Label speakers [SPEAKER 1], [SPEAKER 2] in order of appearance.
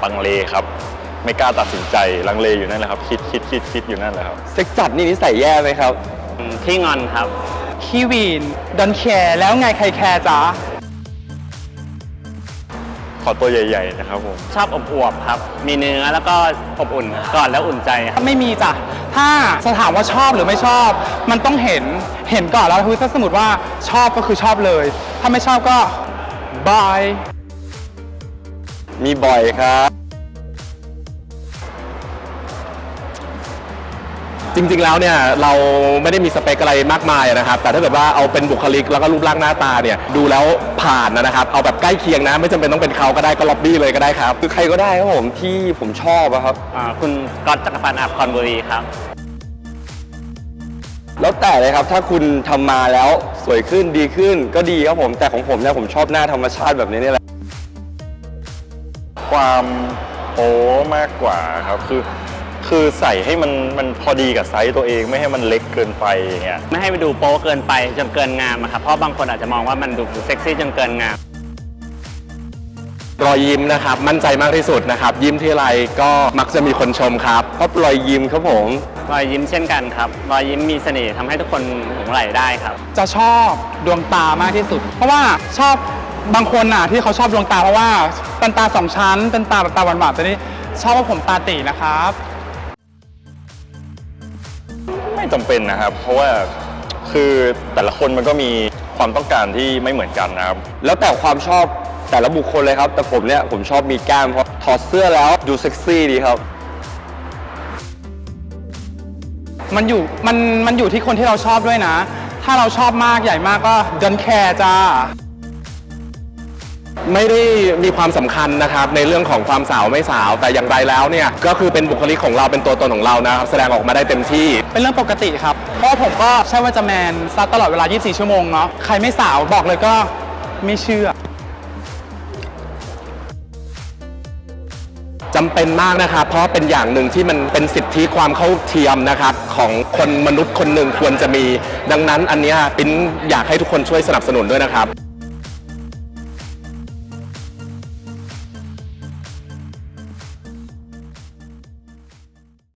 [SPEAKER 1] ลังเลครับไม่กล้าตัดสินใจลังเลอยู่นั่นแหละครับคิดอยู่นั่นแหละครับ
[SPEAKER 2] เซ็กจัดนี่นิสัยแย่ไหมครับ
[SPEAKER 3] ขี้งอนครับ
[SPEAKER 4] ขี้วีนดอนแคร์แล้วไงใครแคร์จ๊ะ
[SPEAKER 1] ขอตัวใหญ่ๆนะครับผม
[SPEAKER 3] ชอบอบอวบครับมีเนื้อแล้วก็อบอุ่นก่อนแล้วอุ่นใจครับ
[SPEAKER 4] ไม่มีจ้ะถ้าจะถามว่าชอบหรือไม่ชอบ มันต้องเห็นก่อนแล้วคือถ้าสมมติว่าชอบก็คือชอบเลย ถ้าไม่ชอบก็บาย
[SPEAKER 2] มีบ่อยครับจริงๆแล้วเนี่ยเราไม่ได้มีสเปคอะไรมากมายนะครับแต่ถ้าเกิดว่าเอาเป็นบุคลิกแล้วก็รูปร่างหน้าตาเนี่ยดูแล้วผ่านนะครับเอาแบบใกล้เคียงนะไม่จำเป็นต้องเป็นเขาก็ได้ก็ล็อบบี้เลยก็ได้ครับคือใครก็ได้ครับผมที่ผมชอบครับ
[SPEAKER 3] คุณก๊อตจักรพันธ์อาภคอนบุรีครับ
[SPEAKER 2] แล้วแต่เลยครับถ้าคุณทำมาแล้วสวยขึ้นดีขึ้นก็ดีครับผมแต่ของผมเนี่ยผมชอบหน้าธรรมชาติแบบนี้นี่แหละ
[SPEAKER 1] ความโป๊มากกว่าครับคือใส่ให้มันพอดีกับไซส์ตัวเองไม่ให้มันเล็กเกินไปอย่างเงี้ย
[SPEAKER 3] ไม่ให้ไปดูโป๊เกินไปจนเกินงามครับเพราะบางคนอาจจะมองว่ามันดูเซ็กซี่จนเกินงาม
[SPEAKER 2] รอยยิ้มนะครับมั่นใจมากที่สุดนะครับยิ้มที่ไรก็มักจะมีคนชมครับเพราะรอยยิ้มครับผม
[SPEAKER 3] รอยยิ้มเช่นกันครับรอยยิ้มมีเสน่ห์ทำให้ทุกคนหลงใหลได้ครับ
[SPEAKER 4] จะชอบดวงตามากที่สุดเพราะว่าชอบบางคนที่เขาชอบดวงตาเพราะว่าเป็นตาสองชั้นเป็นตาแบบตาหวานๆแต่นี่ชอบว่าผมตาตีนะครับ
[SPEAKER 1] ไม่จำเป็นนะครับเพราะว่าคือแต่ละคนมันก็มีความต้องการที่ไม่เหมือนกันนะครับ
[SPEAKER 2] แล้วแต่ความชอบแต่ละบุคคลเลยครับแต่ผมชอบมีกล้ามเพราะถอดเสื้อแล้วดูเซ็กซี่ดีครับ
[SPEAKER 4] มันอยู่ที่คนที่เราชอบด้วยนะถ้าเราชอบมากใหญ่มากก็ดอนแคร์จ้า
[SPEAKER 2] ไม่ได้มีความสำคัญนะครับในเรื่องของความสาวไม่สาวแต่อย่างไรแล้วเนี่ยก็คือเป็นบุคลิกของเราเป็นตัวตนของเรานะครับแสดงออกมาได้เต็มที่
[SPEAKER 4] เป็นเรื่องปกติครับเพราะผมก็ใช่ว่าจะแมนซัดตลอดเวลา24ชั่วโมงเนาะใครไม่สาวบอกเลยก็ไม่เชื่อ
[SPEAKER 2] จำเป็นมากนะครับเพราะเป็นอย่างหนึ่งที่มันเป็นสิทธิความเข้าเทียมนะครับของคนมนุษย์คนหนึ่งควรจะมีดังนั้นอันนี้ปิ๊นอยากให้ทุกคนช่วยสนับสนุนด้วยนะครับ